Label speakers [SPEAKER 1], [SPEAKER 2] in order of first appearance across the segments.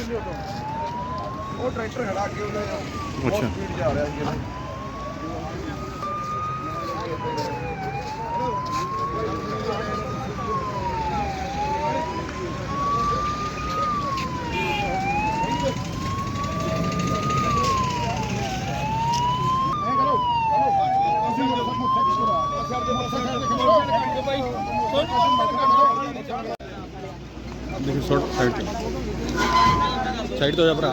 [SPEAKER 1] ਉਹ ਟਰੈਕਟਰ ਖੜਾ ਕੇ ਉਹਨੇ ਬਹੁਤ ਸਪੀਡ ਜਾ ਰਿਹਾ ਸੀ।
[SPEAKER 2] देखिए शॉर्ट साइड तो हो जा भरा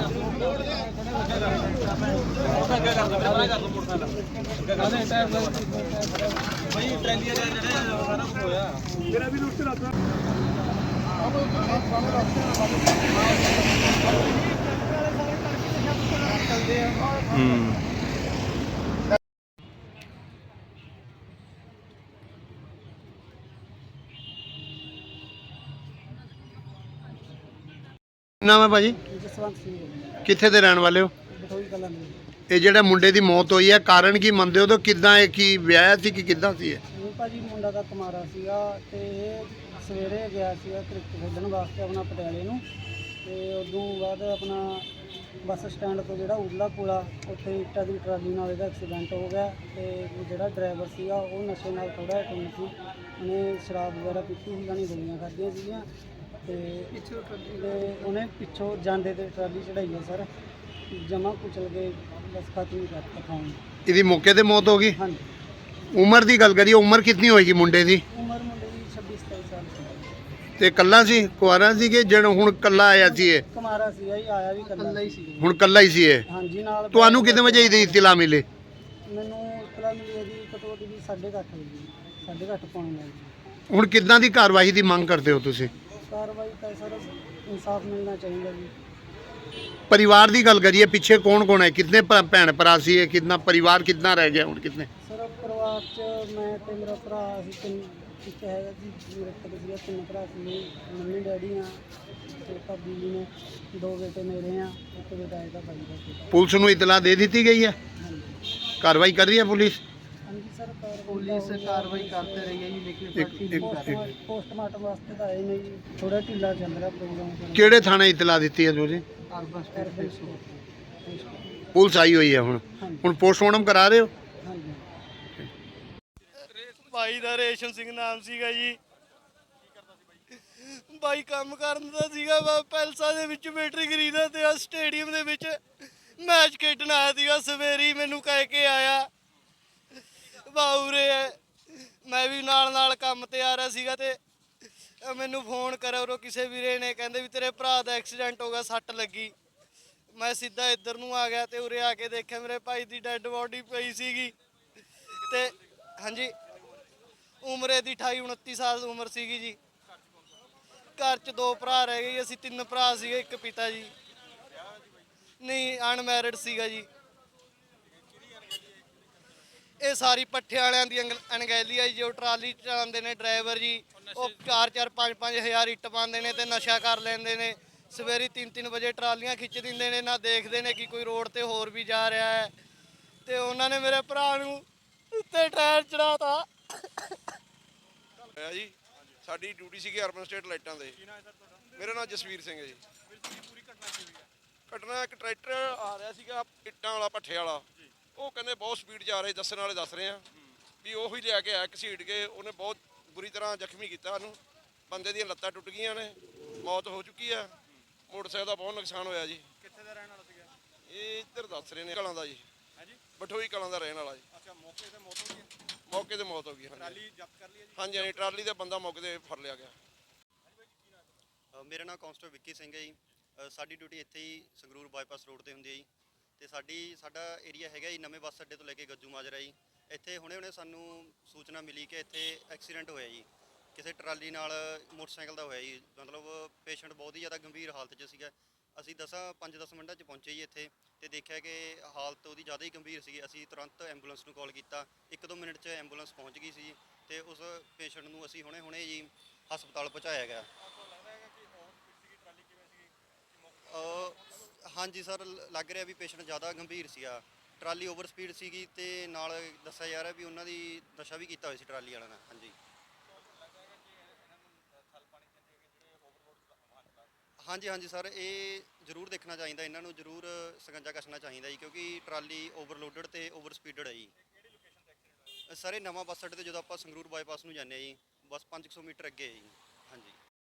[SPEAKER 2] नाम है भाजी
[SPEAKER 3] ਜਸਵੰਤ ਸਿੰਘ ਜੀ,
[SPEAKER 2] कित्थे दे रहने वाले हो
[SPEAKER 3] ਬਠੋਈ ਕਲਾਂ ਦੇ।
[SPEAKER 2] ਇਹ ਜਿਹੜਾ ਮੁੰਡੇ ਦੀ ਮੌਤ ਹੋਈ ਹੈ ਕਾਰਨ ਕੀ ਮੰਨਦੇ ਹੋ? ਤਾਂ ਕਿੱਦਾਂ ਇਹ ਕੀ ਵਿਆਹ ਸੀ ਕਿ ਕਿੱਦਾਂ ਸੀ ਇਹ?
[SPEAKER 3] ਇਹ ਭਾਜੀ ਮੁੰਡਾ ਦਾ ਕੁਮਾਰਾ ਸੀਗਾ ਤੇ ਇਹ ਸਵੇਰੇ ਗਿਆ ਸੀਗਾ ਕ੍ਰਿਕਟ ਖੇਡਣ ਵਾਸਤੇ ਆਪਣਾ ਪਟਿਆਲੇ ਨੂੰ, ਤੇ ਉਦੋਂ ਬਾਅਦ ਆਪਣਾ ਬੱਸ ਸਟੈਂਡ ਤੋਂ ਜਿਹੜਾ ਉਰਲਾ ਪੁਲਾ ਉੱਥੇ ਇੱਟਾਂ ਦੀ ਟਰਾਲੀ ਨਾਲ ਇਹਦਾ ਐਕਸੀਡੈਂਟ ਹੋ ਗਿਆ। ਤੇ ਜਿਹੜਾ ਡਰਾਈਵਰ ਸੀਗਾ ਉਹ ਨਸ਼ੇ ਨਾਲ ਥੋੜ੍ਹਾ ਜਿਹਾ ਟੁੰਨ ਸੀ, ਉਹਨੇ ਸ਼ਰਾਬ ਵਗੈਰਾ ਪੀਤੀ ਸੀ, ਜਾਣੀ ਗੋਲੀਆਂ ਖਾਧੀਆਂ ਸੀਗੀਆਂ ਤੇ ਉਹਨੇ ਪਿੱਛੋਂ ਜਾਂਦੇ ਤੇ ਟਰਾਲੀ ਚੜਾਈ ਹੈ ਸਰ, ਜਮਾ ਕੁਚਲ ਕੇ ਬਸ ਖਤਮ ਹੀ ਕਰਤਾ ਖਾਣ।
[SPEAKER 2] ਇਹਦੀ ਮੌਕੇ ਤੇ ਮੌਤ ਹੋ ਗਈ।
[SPEAKER 3] ਹਾਂਜੀ,
[SPEAKER 2] ਉਮਰ ਦੀ ਗੱਲ ਕਰੀਏ, ਉਮਰ ਕਿੰਨੀ ਹੋਏਗੀ ਮੁੰਡੇ ਦੀ?
[SPEAKER 3] ਉਮਰ ਮੁੰਡੇ ਦੀ 26-27 ਸਾਲ ਸੀ।
[SPEAKER 2] ਤੇ ਕੱਲਾ ਸੀ, ਕੁਆਰਾ ਸੀ ਕਿ ਜਿਹੜਾ ਹੁਣ ਕੱਲਾ ਆਇਆ ਸੀ ਇਹ?
[SPEAKER 3] ਕੁਮਾਰਾ ਸੀਗਾ ਜੀ, ਆਇਆ ਵੀ ਕੱਲਾ ਹੀ ਸੀ।
[SPEAKER 2] ਹੁਣ ਕੱਲਾ ਹੀ ਸੀ ਇਹ?
[SPEAKER 3] ਹਾਂਜੀ, ਨਾਲ
[SPEAKER 2] ਤੁਹਾਨੂੰ ਕਿੰਨੇ ਵਜੇ ਇਹਦੀ ਇਤਲਾ ਮਿਲੀ?
[SPEAKER 3] ਮੈਨੂੰ ਇਤਲਾ ਮਿਲੀ ਹੈ ਜੀ ਘੱਟੋ ਘੱਟ ਵੀ 8:30 ਵਜੇ, 8:30 ਪੌਣੇ ਨਾਲ ਜੀ।
[SPEAKER 2] ਹੁਣ ਕਿੱਦਾਂ ਦੀ ਕਾਰਵਾਈ ਦੀ ਮੰਗ ਕਰਦੇ ਹੋ ਤੁਸੀਂ?
[SPEAKER 3] ਕਾਰਵਾਈ ਤਾਂ ਸਰ ਇਨਸਾਫ ਮਿਲਣਾ ਚਾਹੀਦਾ ਜੀ।
[SPEAKER 2] परिवार की गल करिए, पीछे कौन कौन है, कितने भैन भरा सी है, कितना परिवार कितना रह गया हूँ? कितने
[SPEAKER 3] सर परिवार च मैं ते मेरा भरा असीं तीन एक है जी, मेरे तक सीगा तीन भरा सी, मम्मी डैडी हाँ ते भाभी जी ने, दो बेटे मेरे हैं, एक बेटा है भाई का बेटा।
[SPEAKER 2] पुलिस नूं इतला दे दी गई है?
[SPEAKER 3] हाँ जी,
[SPEAKER 2] कार्रवाई कर रही है पुलिस?
[SPEAKER 3] हाँ जी सर, पुलिस कार्रवाई करते रही है जी, लेकिन पोस्टमार्टम वास्ते तो आए नहीं जी, थोड़ा ढीला चल रहा प्रोग्राम।
[SPEAKER 2] किहड़े थाने इतला दी है तुसीं? पुलिस आई हुई है हुण पोस्टमार्टम करा रहे हो?
[SPEAKER 4] भाई दा रेशम सिंह नाम सीगा जी। भाई काम करदा सीगा पैलसा दे विच बैटरी खरीदा ते स्टेडियम दे विच मैच खेडण आया सीगा। सवेरे ही मैनू कह के आया बाउरे मैं भी नाल नाल काम ते आ रहा सीगा ते मैनू फोन करा उरो किसी वीरे ने, कहंदे भी तेरे भरा दा एक्सीडेंट हो गया, सट लगी। मैं सीधा इधर नूं आ गया ते उरे आके देखिया मेरे भाई दी डैड बॉडी पई सीगी ते हाँ जी उम्र दी 28-29 साल उम्र सीगी जी। घर च दो भरा रह गए, असीं तीन भरा सीगे, एक पिता जी नहीं अनमैरिड सीगा जी। ये सारी पट्ठे वालियां दी अनगैली है जो ट्राली चलाते हैं ड्राइवर जी, वो 4-4 5-5 हज़ार इट्ट पाते हैं तो नशा कर लेंदे ने। सवेरे 3-3 बजे ट्रालियां खिच दिंदे ने, ना देखते हैं कि कोई रोड ते होर भी जा रहा है। तो उन्होंने मेरे भरा नूं उत्ते टायर चढ़ाता
[SPEAKER 1] जी। साडी ड्यूटी सी अर्बन स्टेट लाइटां दे। मेरा नाम जसवीर सिंह है जी। घटना एक ट्रैक्टर आ रहा सीगा इट्टां वाला भट्ठे वाला, वो कहते बहुत स्पीड जा रहे, दस्सण वाले दस रहे हैं भी ਉਹੀ लिया के आया घसीट के, उन्हें बहुत बुरी तरह जख्मी किया। बंदे दी लत्तां टुट गईयां ने, मौत हो चुकी है। मोटरसाइकिल का बहुत नुकसान होया जी।
[SPEAKER 5] कित्थे दा रहने वाला सीगा?
[SPEAKER 1] ये इधर दस रहे ने कलां दा जी।
[SPEAKER 5] हां जी,
[SPEAKER 1] बठोई कलां दा रहने वाला जी।
[SPEAKER 5] अच्छा, मौके ते मौत हो गई?
[SPEAKER 1] मौके ते मौत हो गई।
[SPEAKER 5] ट्राली जब्त कर लिया जी?
[SPEAKER 1] हाँ जी, ट्राली का बंदा मौके ते फड़ लिया गया।
[SPEAKER 6] ਮੇਰਾ ਨਾਮ ਕਾਂਸਟੇਬਲ ਵਿੱਕੀ ਸਿੰਘ ਹੈ ਜੀ। ਸਾਡੀ ਡਿਊਟੀ ਇੱਥੇ ਹੀ ਸੰਗਰੂਰ ਬਾਈਪਾਸ ਰੋਡ ਤੇ ਹੁੰਦੀ ਹੈ ਜੀ, ਤੇ ਸਾਡਾ ਏਰੀਆ ਹੈਗਾ ਜੀ ਨਵੇਂ ਬੱਸ ਅੱਡੇ ਤੋਂ ਲੈ ਕੇ ਗੱਜੂ ਮਾਜਰਾ ਜੀ। ਇੱਥੇ ਹੁਣੇ ਸਾਨੂੰ ਸੂਚਨਾ ਮਿਲੀ ਕਿ ਇੱਥੇ ਐਕਸੀਡੈਂਟ ਹੋਇਆ ਜੀ, ਕਿਸੇ ਟਰਾਲੀ ਨਾਲ ਮੋਟਰਸਾਈਕਲ ਦਾ ਹੋਇਆ ਜੀ। ਮਤਲਬ ਪੇਸ਼ੈਂਟ ਬਹੁਤ ਹੀ ਜ਼ਿਆਦਾ ਗੰਭੀਰ ਹਾਲਤ 'ਚ ਸੀਗਾ। ਅਸੀਂ 5-10 ਮਿੰਟਾਂ 'ਚ ਪਹੁੰਚੇ ਜੀ ਇੱਥੇ, ਤੇ ਦੇਖਿਆ ਕਿ ਹਾਲਤ ਉਹਦੀ ਜ਼ਿਆਦਾ ਹੀ ਗੰਭੀਰ ਸੀਗੀ। ਅਸੀਂ ਤੁਰੰਤ ਐਂਬੂਲੈਂਸ ਨੂੰ ਕਾਲ ਕੀਤਾ, 1-2 ਮਿੰਟ 'ਚ ਐਂਬੂਲੈਂਸ ਪਹੁੰਚ ਗਈ ਸੀ ਤੇ ਉਸ ਪੇਸ਼ੈਂਟ ਨੂੰ ਅਸੀਂ ਹੁਣੇ ਜੀ ਹਸਪਤਾਲ ਪਹੁੰਚਾਇਆ ਗਿਆ। ਹਾਂਜੀ ਸਰ, ਲੱਗ ਰਿਹਾ ਵੀ ਪੇਸ਼ੈਂਟ ਜ਼ਿਆਦਾ ਗੰਭੀਰ ਸੀਗਾ। ਟਰਾਲੀ ਓਵਰ ਸਪੀਡ ਸੀਗੀ ਤੇ ਨਾਲ ਦੱਸਿਆ ਜਾ ਰਿਹਾ ਵੀ ਉਹਨਾਂ ਦੀ ਨਸ਼ਾ ਵੀ ਕੀਤਾ ਹੋਇਆ ਸੀ ਟਰਾਲੀ ਵਾਲਿਆਂ ਨੇ। ਹਾਂਜੀ ਹਾਂਜੀ ਹਾਂਜੀ ਸਰ, ਇਹ ਜ਼ਰੂਰ ਦੇਖਣਾ ਚਾਹੀਦਾ, ਇਹਨਾਂ ਨੂੰ ਜ਼ਰੂਰ ਸਕੰਜਾ ਕੱਸਣਾ ਚਾਹੀਦਾ ਜੀ, ਕਿਉਂਕਿ ਟਰਾਲੀ ਓਵਰਲੋਡਡ ਤੇ ਓਵਰ ਸਪੀਡਡ ਹੈ ਜੀ। ਸਰ ਇਹ ਨਵਾਂ ਬੱਸ ਅੱਡੇ ਤੇ ਜਦੋਂ ਆਪਾਂ ਸੰਗਰੂਰ ਬਾਈਪਾਸ ਨੂੰ ਜਾਂਦੇ ਹਾਂ ਜੀ, ਬਸ 500 ਮੀਟਰ ਅੱਗੇ ਹੈ ਜੀ। ਹਾਂਜੀ।